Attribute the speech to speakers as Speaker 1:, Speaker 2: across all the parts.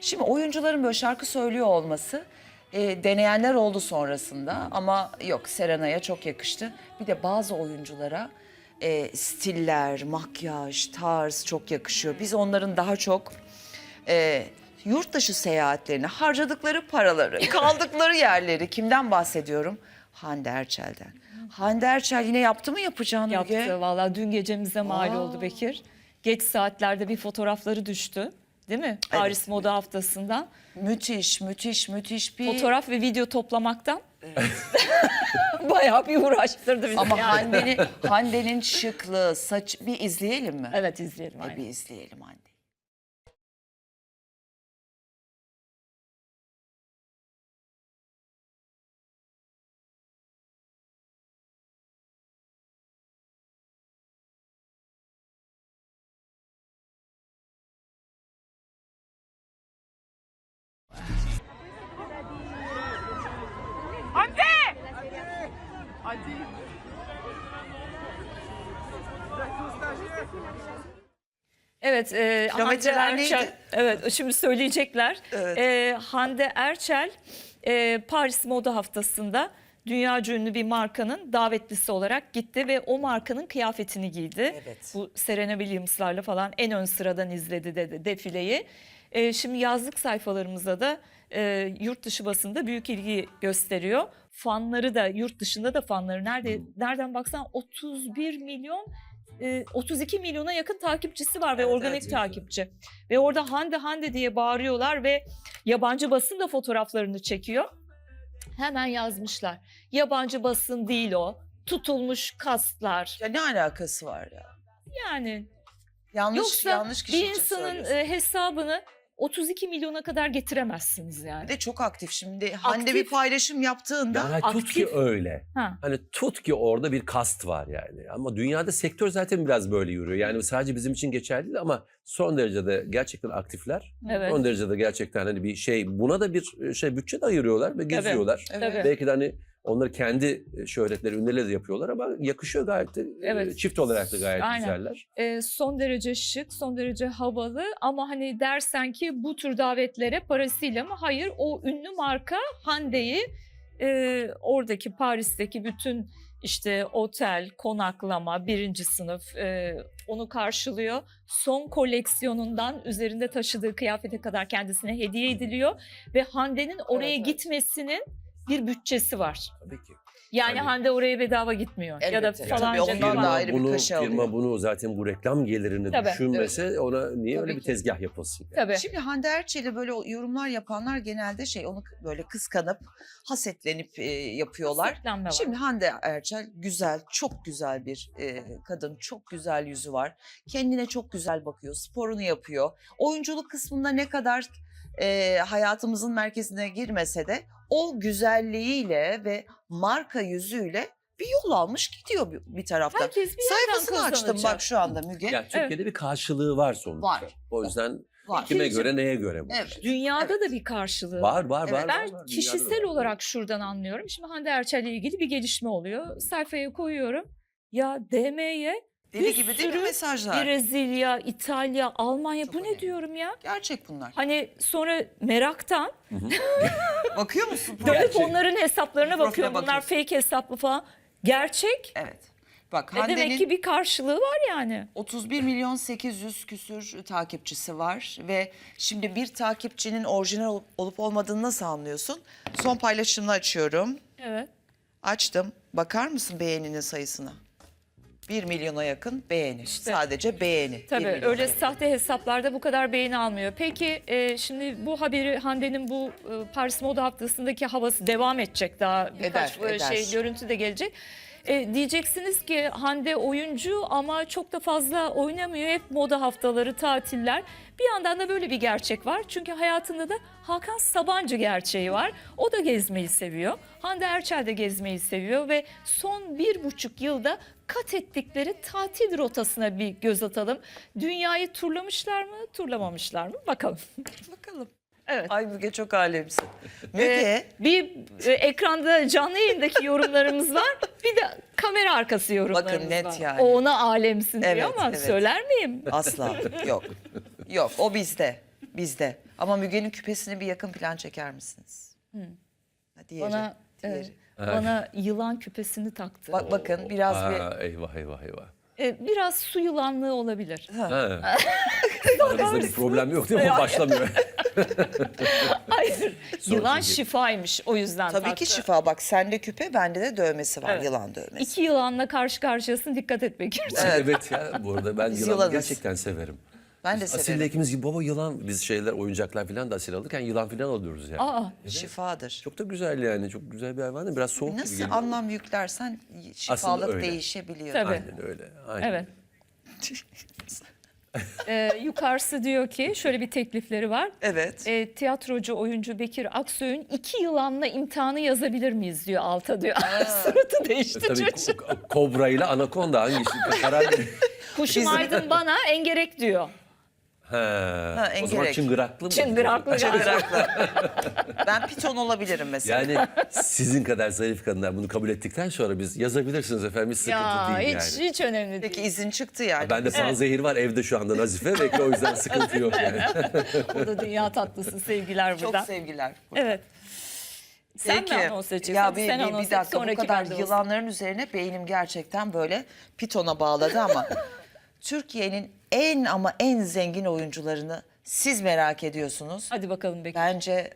Speaker 1: Şimdi oyuncuların böyle şarkı söylüyor olması deneyenler oldu sonrasında ama yok, Serenay'a çok yakıştı. Bir de bazı oyunculara stiller, makyaj, tarz çok yakışıyor. Biz onların daha çok yurt dışı seyahatlerini, harcadıkları paraları, kaldıkları yerleri, kimden bahsediyorum? Hande Erçel'den. Hande Erçel yine yaptı mı yapacağını Müge?
Speaker 2: Yaptı valla, dün gecemize mal oldu Bekir. Geç saatlerde bir fotoğrafları düştü. Değil mi? Paris Moda Haftası'ndan.
Speaker 1: Müthiş, müthiş, müthiş bir...
Speaker 2: Fotoğraf ve video toplamaktan bayağı bir uğraştırdı bizi.
Speaker 1: Ama
Speaker 2: yani.
Speaker 1: Hande'nin şıklığı, saç... Bir izleyelim mi?
Speaker 2: Evet, izleyelim. Aynen.
Speaker 1: Bir izleyelim Hande.
Speaker 3: Hande! Hadi.
Speaker 2: Evet, Hande
Speaker 1: Kilometreler
Speaker 2: Erçel.
Speaker 1: neydi?
Speaker 2: Evet, şimdi söyleyecekler.
Speaker 1: Evet.
Speaker 2: Hande Erçel Paris Moda Haftası'nda dünyaca ünlü bir markanın davetlisi olarak gitti ve o markanın kıyafetini giydi.
Speaker 1: Evet.
Speaker 2: Bu Serena Williams'larla falan en ön sıradan izledi defileyi. Şimdi yazlık sayfalarımıza da yurt dışı basında büyük ilgi gösteriyor. Fanları da, yurt dışında da fanları nereden baksan 31 milyon 32 milyona yakın takipçisi var ve
Speaker 1: Evet,
Speaker 2: organik
Speaker 1: evet.
Speaker 2: takipçi. Ve orada Hande Hande diye bağırıyorlar ve yabancı basın da fotoğraflarını çekiyor. Hemen yazmışlar. Yabancı basın değil o. Tutulmuş kastlar.
Speaker 1: Ya ne alakası var ya?
Speaker 2: Yani
Speaker 1: Yanlış
Speaker 2: yoksa
Speaker 1: kişi
Speaker 2: bir
Speaker 1: için
Speaker 2: insanın
Speaker 1: söylüyorsun.
Speaker 2: hesabını 32 milyona kadar getiremezsiniz yani.
Speaker 1: Bir de çok aktif şimdi. Hande bir
Speaker 2: Aktif.
Speaker 1: paylaşım yaptığında...
Speaker 4: Yani tut ki
Speaker 2: aktif.
Speaker 4: öyle.
Speaker 2: Ha.
Speaker 4: Hani tut ki orada bir kast var yani. Ama dünyada sektör zaten biraz böyle yürüyor. Yani sadece bizim için geçerli değil ama son derece de gerçekten aktifler.
Speaker 2: Evet.
Speaker 4: Son derece de gerçekten hani bir şey, buna da bir bütçe de ayırıyorlar ve geziyorlar.
Speaker 1: Evet.
Speaker 2: Tabii.
Speaker 4: Belki de hani onları kendi şöhretleri, ünlüleri de yapıyorlar ama yakışıyor gayet de.
Speaker 2: Evet.
Speaker 4: Çift olarak da gayet
Speaker 2: Aynen.
Speaker 4: güzeller.
Speaker 2: Son derece şık, son derece havalı ama hani dersen ki bu tür davetlere parasıyla mı? Hayır, o ünlü marka Hande'yi oradaki Paris'teki bütün işte otel, konaklama, birinci sınıf onu karşılıyor. Son koleksiyonundan üzerinde taşıdığı kıyafete kadar kendisine hediye ediliyor ve Hande'nin oraya
Speaker 1: Evet.
Speaker 2: gitmesinin bir bütçesi var.
Speaker 4: Tabii ki.
Speaker 2: Yani
Speaker 4: Tabii.
Speaker 2: Hande oraya bedava gitmiyor. Ya da
Speaker 1: Elbette.
Speaker 2: falanca
Speaker 1: Tabii ondan
Speaker 2: bir
Speaker 1: da ayrı bir
Speaker 4: bunu,
Speaker 1: kaşe alıyor.
Speaker 4: bunu zaten bu reklam gelirini
Speaker 2: Tabii.
Speaker 4: düşünmese ona niye
Speaker 1: Tabii
Speaker 4: öyle bir
Speaker 1: ki.
Speaker 4: tezgah yapılsın? Yani?
Speaker 2: Tabii.
Speaker 1: Şimdi Hande Erçel'e böyle yorumlar yapanlar genelde onu böyle kıskanıp, hasetlenip yapıyorlar.
Speaker 2: Hasetlenme var.
Speaker 1: Şimdi Hande Erçel güzel, çok güzel bir kadın, çok güzel yüzü var. Kendine çok güzel bakıyor, sporunu yapıyor. Oyunculuk kısmında ne kadar hayatımızın merkezine girmese de o güzelliğiyle ve marka yüzüyle bir yol almış gidiyor bir taraftan.
Speaker 2: Herkes bir yerden
Speaker 1: Sayfasını açtım
Speaker 2: kazanacak.
Speaker 1: bak şu anda Müge.
Speaker 4: Yani Türkiye'de bir karşılığı var sonuçta.
Speaker 1: Var.
Speaker 4: O yüzden
Speaker 1: Var.
Speaker 4: kime
Speaker 2: İkinci-
Speaker 4: göre neye göre bu?
Speaker 1: Evet.
Speaker 2: Dünyada
Speaker 1: Evet.
Speaker 2: da bir karşılığı
Speaker 4: Var var
Speaker 1: Evet.
Speaker 4: var.
Speaker 2: Ben
Speaker 4: var, var. Dünyada
Speaker 2: kişisel
Speaker 4: da var.
Speaker 2: olarak şuradan anlıyorum. Şimdi Hande Erçel'le ilgili bir gelişme oluyor. Sayfaya koyuyorum. Ya DM'ye
Speaker 1: Deli
Speaker 2: bir
Speaker 1: gibi değil mi
Speaker 2: sürü
Speaker 1: mesajlar?
Speaker 2: Brezilya, İtalya, Almanya
Speaker 1: Çok
Speaker 2: bu ne
Speaker 1: önemli.
Speaker 2: diyorum ya?
Speaker 1: Gerçek bunlar.
Speaker 2: Hani sonra meraktan
Speaker 1: Bakıyor musun?
Speaker 2: dönüp onların hesaplarına
Speaker 1: Profile
Speaker 2: bakıyorum. Bunlar
Speaker 1: bakıyorsun.
Speaker 2: fake hesap mı falan. Gerçek.
Speaker 1: Evet. Bak
Speaker 2: Ve demek ki
Speaker 1: Hande'nin
Speaker 2: bir karşılığı var yani.
Speaker 1: 31 milyon 800 küsür takipçisi var ve şimdi bir takipçinin orijinal olup olmadığını nasıl anlıyorsun? Son paylaşımını açıyorum.
Speaker 2: Evet.
Speaker 1: Açtım. Bakar mısın beğeninin sayısına? 1 milyona yakın beğeni. Sadece beğeni. 1
Speaker 2: Tabii
Speaker 1: milyona
Speaker 2: öyle
Speaker 1: yakın.
Speaker 2: sahte hesaplarda bu kadar beğeni almıyor. Peki şimdi bu haberi Hande'nin bu Paris Moda Haftası'ndaki havası devam edecek, daha birkaç
Speaker 1: Eder.
Speaker 2: görüntü de gelecek. Diyeceksiniz ki Hande oyuncu ama çok da fazla oynamıyor. Hep moda haftaları, tatiller. Bir yandan da böyle bir gerçek var. Çünkü hayatında da Hakan Sabancı gerçeği var. O da gezmeyi seviyor. Hande Erçel de gezmeyi seviyor ve son 1,5 yılda kat ettikleri tatil rotasına bir göz atalım. Dünyayı turlamışlar mı, turlamamışlar mı? Bakalım.
Speaker 1: Bakalım.
Speaker 2: Evet.
Speaker 1: Ay Müge çok alemsin. Müge.
Speaker 2: Bir ekranda canlı yayındaki yorumlarımız var. Bir de kamera arkası yorumlarımız
Speaker 1: Bakın net
Speaker 2: var.
Speaker 1: yani.
Speaker 2: O ona alemsin
Speaker 1: Evet,
Speaker 2: diyor ama
Speaker 1: evet.
Speaker 2: söyler miyim?
Speaker 1: Asla yok. Yok o bizde. Bizde. Ama Müge'nin küpesini bir yakın plan çeker misiniz? Ha, diğeri,
Speaker 2: Bana
Speaker 1: diğeri.
Speaker 2: bana yılan küpesini taktı.
Speaker 1: Bakın biraz bir...
Speaker 4: Eyvah eyvah eyvah.
Speaker 2: Biraz su yılanlığı olabilir.
Speaker 4: Ha. Aranızda bir problem yok değil mi? Başlamıyor.
Speaker 2: Hayır. Yılan
Speaker 4: çünkü.
Speaker 2: şifaymış, o yüzden
Speaker 1: Tabii
Speaker 2: taktı.
Speaker 1: ki şifa. Bak sende küpe, bende de dövmesi var.
Speaker 2: Evet.
Speaker 1: Yılan dövmesi.
Speaker 2: İki yılanla karşı karşıyasın, dikkat et Bekir.
Speaker 4: Evet ya, bu arada ben
Speaker 1: Biz
Speaker 4: yılanı
Speaker 1: yılanız.
Speaker 4: gerçekten severim.
Speaker 1: Ben de
Speaker 4: Asille
Speaker 1: severim.
Speaker 4: ikimiz gibi baba yılan, biz şeyler, oyuncaklar falan da asil alırken yılan falan alıyoruz yani.
Speaker 2: Aa,
Speaker 1: Şifadır.
Speaker 4: Çok da güzel yani, çok güzel bir hayvan. Biraz soğuk gibi
Speaker 1: Nasıl
Speaker 4: geliyor.
Speaker 1: anlam yüklersen şifalık
Speaker 4: öyle.
Speaker 1: değişebiliyor.
Speaker 2: Tabii.
Speaker 4: Aynen öyle. Aynen.
Speaker 2: evet. Yukarısı diyor ki şöyle bir teklifleri var.
Speaker 1: Evet.
Speaker 2: Tiyatrocu, oyuncu Bekir Aksoy'un 2 yılanla imtihanı yazabilir miyiz diyor alta diyor. Suratı değişti
Speaker 4: Tabii
Speaker 2: çocuğun.
Speaker 4: kobra ile anakonda hangisi karar verir?
Speaker 2: Kuşum Aydın bana engerek diyor.
Speaker 4: O zaman
Speaker 1: engerek.
Speaker 4: çıngıraklı mı?
Speaker 2: Çıngıraklı galiba.
Speaker 1: Çıngıraklı. Ben piton olabilirim mesela.
Speaker 4: Yani sizin kadar zayıf kadınlar bunu kabul ettikten sonra biz yazabilirsiniz efendim, hiç sıkıntı
Speaker 2: Ya
Speaker 4: değil
Speaker 2: hiç,
Speaker 4: yani.
Speaker 2: hiç önemli
Speaker 1: Peki
Speaker 2: değil.
Speaker 1: izin çıktı yani.
Speaker 4: Bende panzehir var evde şu anda Nazife. Belki o yüzden sıkıntı yok yani.
Speaker 2: O da dünya tatlısı, sevgiler
Speaker 1: Çok
Speaker 2: buradan.
Speaker 1: sevgiler.
Speaker 2: Evet. Sen
Speaker 1: Peki.
Speaker 2: mi anons edeceksin?
Speaker 1: Ya
Speaker 2: Sen anons
Speaker 1: bir
Speaker 2: et,
Speaker 1: dakika, bu
Speaker 2: sonraki
Speaker 1: kadar
Speaker 2: bende olsun.
Speaker 1: yılanların üzerine beynim gerçekten böyle pitona bağladı ama Türkiye'nin en zengin oyuncularını siz merak ediyorsunuz.
Speaker 2: Hadi bakalım Bekir.
Speaker 1: Bence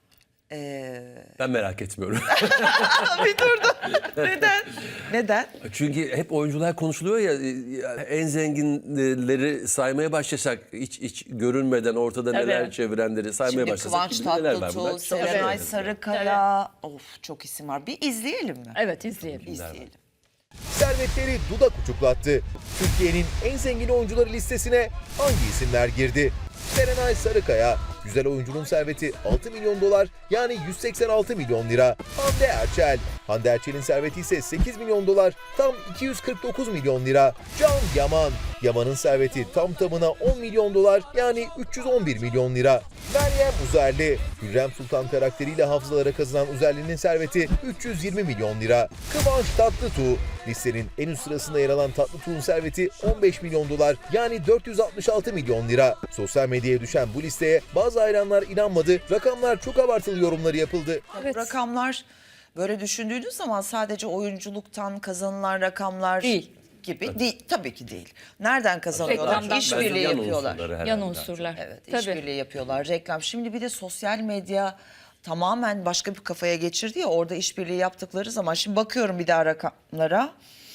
Speaker 4: Ben merak etmiyorum.
Speaker 1: bir durdu. Neden? Neden?
Speaker 4: Çünkü hep oyuncular konuşuluyor ya, en zenginleri saymaya başlasak hiç görünmeden ortada
Speaker 2: Tabii.
Speaker 4: neler çevirenleri saymaya
Speaker 1: Şimdi
Speaker 4: başlasak
Speaker 1: Kıvanç
Speaker 4: kim bilir neler var
Speaker 1: Tatlıtuğ,
Speaker 4: bunlar.
Speaker 1: Serenay
Speaker 4: Evet.
Speaker 1: Sarıkaya. Of, çok isim var. Bir izleyelim mi?
Speaker 2: Evet, izleyelim.
Speaker 1: İzleyelim.
Speaker 5: Servetleri dudak uçuklattı. Türkiye'nin en zengin oyuncuları listesine hangi isimler girdi? Serenay Sarıkaya, güzel oyuncunun serveti 6 milyon dolar yani 186 milyon lira. Hande Erçel, Hande Erçel'in serveti ise 8 milyon dolar tam 249 milyon lira. Can Yaman, Yaman'ın serveti tam tamına 10 milyon dolar yani 311 milyon lira. Meryem Uzerli, Hürrem Sultan karakteriyle hafızalara kazınan Uzerli'nin serveti 320 milyon lira. Kıvanç Tatlıtuğ, listenin en üst sırasında yer alan Tatlıtuğ'un serveti 15 milyon dolar yani 466 milyon lira. Sosyal medyaya düşen bu listeye bazı hayranlar inanmadı, rakamlar çok abartılı yorumları yapıldı.
Speaker 2: Evet.
Speaker 1: Rakamlar böyle düşündüğünüz zaman sadece oyunculuktan kazanılan rakamlar
Speaker 2: Değil.
Speaker 1: gibi değil. Tabii ki değil. Nereden kazanıyorlar?
Speaker 2: Reklamdan.
Speaker 1: İşbirliği
Speaker 4: Bence yan
Speaker 1: yapıyorlar.
Speaker 4: unsurları herhalde.
Speaker 2: Yan unsurlar.
Speaker 1: Evet,
Speaker 2: Tabii.
Speaker 1: işbirliği yapıyorlar. Reklam. Şimdi bir de sosyal medya tamamen başka bir kafaya geçirdi ya, orada işbirliği yaptıkları zaman. Şimdi bakıyorum bir daha rakamlara.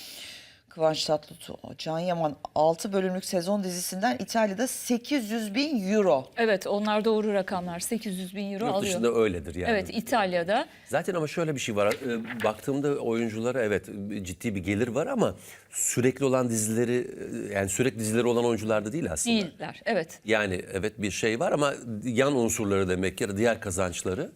Speaker 1: Kıvanç Tatlıtuğ, Can Yaman 6 bölümlük sezon dizisinden İtalya'da 800 bin euro.
Speaker 2: Evet, onlar doğru rakamlar. 800 bin euro
Speaker 4: Yurt
Speaker 2: alıyor.
Speaker 4: dışında öyledir yani.
Speaker 2: Evet, İtalya'da.
Speaker 4: Zaten ama şöyle bir şey var. Baktığımda oyunculara evet ciddi bir gelir var ama sürekli olan dizileri, yani sürekli dizileri olan oyuncular da değil aslında.
Speaker 2: Değiller. Evet.
Speaker 4: Yani evet bir şey var ama yan unsurları demek ya da diğer kazançları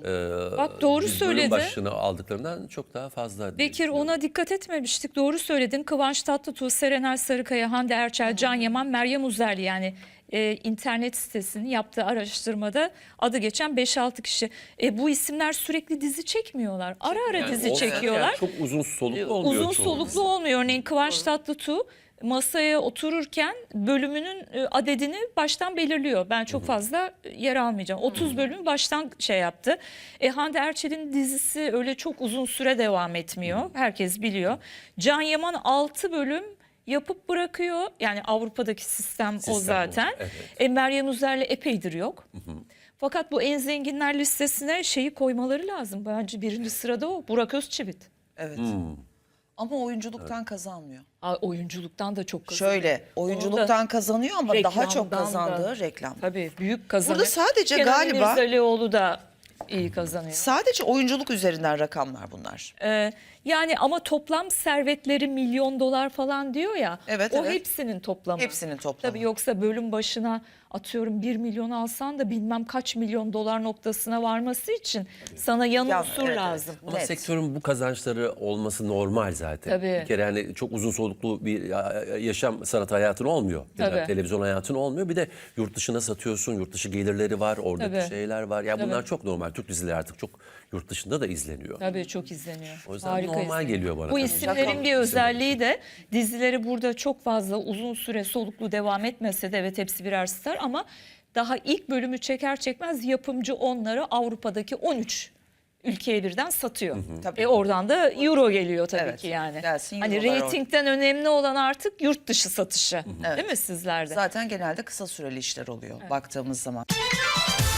Speaker 2: Bak doğru
Speaker 4: biz bölüm
Speaker 2: söyledi.
Speaker 4: başına aldıklarından çok daha fazla. diye
Speaker 2: Bekir,
Speaker 4: düşünüyorum.
Speaker 2: ona dikkat etmemiştik. Doğru söyledin. Kıvanç Tatlıtuğ, Serenay Sarıkaya, Hande Erçel, Can Yaman, Meryem Uzerli, yani internet sitesinin yaptığı araştırmada adı geçen 5-6 kişi. Bu isimler sürekli dizi çekmiyorlar. Ara ara
Speaker 4: Yani
Speaker 2: dizi
Speaker 4: olsa
Speaker 2: çekiyorlar.
Speaker 4: yani çok uzun soluklu olmuyor.
Speaker 2: Uzun
Speaker 4: çoğu
Speaker 2: soluklu
Speaker 4: dizi.
Speaker 2: olmuyor. Örneğin Kıvanç Tatlıtuğ masaya otururken bölümünün adedini baştan belirliyor. Ben çok fazla yer almayacağım. 30 bölüm baştan şey yaptı. Hande Erçel'in dizisi öyle çok uzun süre devam etmiyor. Herkes biliyor. Can Yaman 6 bölüm yapıp bırakıyor. Yani Avrupa'daki sistem o
Speaker 4: Sistem o,
Speaker 2: zaten.
Speaker 4: evet.
Speaker 2: Meryem Uzerli epeydir yok. Fakat bu en zenginler listesine şeyi koymaları lazım. Bence birinci sırada o. Burak Özçivit.
Speaker 1: Evet. Ama oyunculuktan kazanmıyor.
Speaker 2: Oyunculuktan da çok kazanıyor.
Speaker 1: Şöyle, oyunculuktan kazanıyor ama daha çok
Speaker 2: Reklamdan
Speaker 1: kazandığı
Speaker 2: da.
Speaker 1: reklam.
Speaker 2: Tabii büyük kazanıyor.
Speaker 1: Burada sadece
Speaker 2: Kenan
Speaker 1: galiba-
Speaker 2: İmirzalıoğlu da iyi kazanıyor.
Speaker 1: Sadece oyunculuk üzerinden rakamlar bunlar.
Speaker 2: Yani ama toplam servetleri milyon dolar falan diyor ya.
Speaker 1: Evet,
Speaker 2: o
Speaker 1: evet.
Speaker 2: hepsinin toplamı.
Speaker 1: Hepsinin toplamı.
Speaker 2: Tabii yoksa bölüm başına atıyorum 1 milyon alsan da bilmem kaç milyon dolar noktasına varması için sana yan
Speaker 1: Ya,
Speaker 2: unsur
Speaker 1: evet,
Speaker 2: lazım.
Speaker 4: Ama
Speaker 1: Net.
Speaker 4: sektörün bu kazançları olması normal zaten.
Speaker 2: Tabii.
Speaker 4: Bir kere hani çok uzun soluklu bir yaşam sanat hayatın olmuyor. Ya da
Speaker 2: Tabii.
Speaker 4: televizyon hayatın olmuyor. Bir de yurt dışına satıyorsun. Yurt dışı gelirleri var. Oradaki
Speaker 2: Tabii.
Speaker 4: şeyler var. Ya bunlar
Speaker 2: Tabii.
Speaker 4: çok normal. Türk dizileri artık çok yurt dışında da izleniyor.
Speaker 2: Tabii çok izleniyor.
Speaker 4: O yüzden
Speaker 2: Harika
Speaker 4: normal
Speaker 2: izleniyor.
Speaker 4: geliyor bana
Speaker 2: Bu
Speaker 4: tabii.
Speaker 2: isimlerin bir özelliği de dizileri burada çok fazla uzun süre soluklu devam etmese de, evet hepsi birer star ama daha ilk bölümü çeker çekmez yapımcı onları Avrupa'daki 13 ülkeye birden satıyor.
Speaker 1: Tabii.
Speaker 2: Oradan da euro geliyor tabii
Speaker 1: Evet,
Speaker 2: ki yani.
Speaker 1: gelsin
Speaker 2: Hani
Speaker 1: eurolar
Speaker 2: reytingden önemli olan artık yurt dışı satışı. Değil mi sizlerde?
Speaker 1: Zaten genelde kısa süreli işler oluyor baktığımız zaman.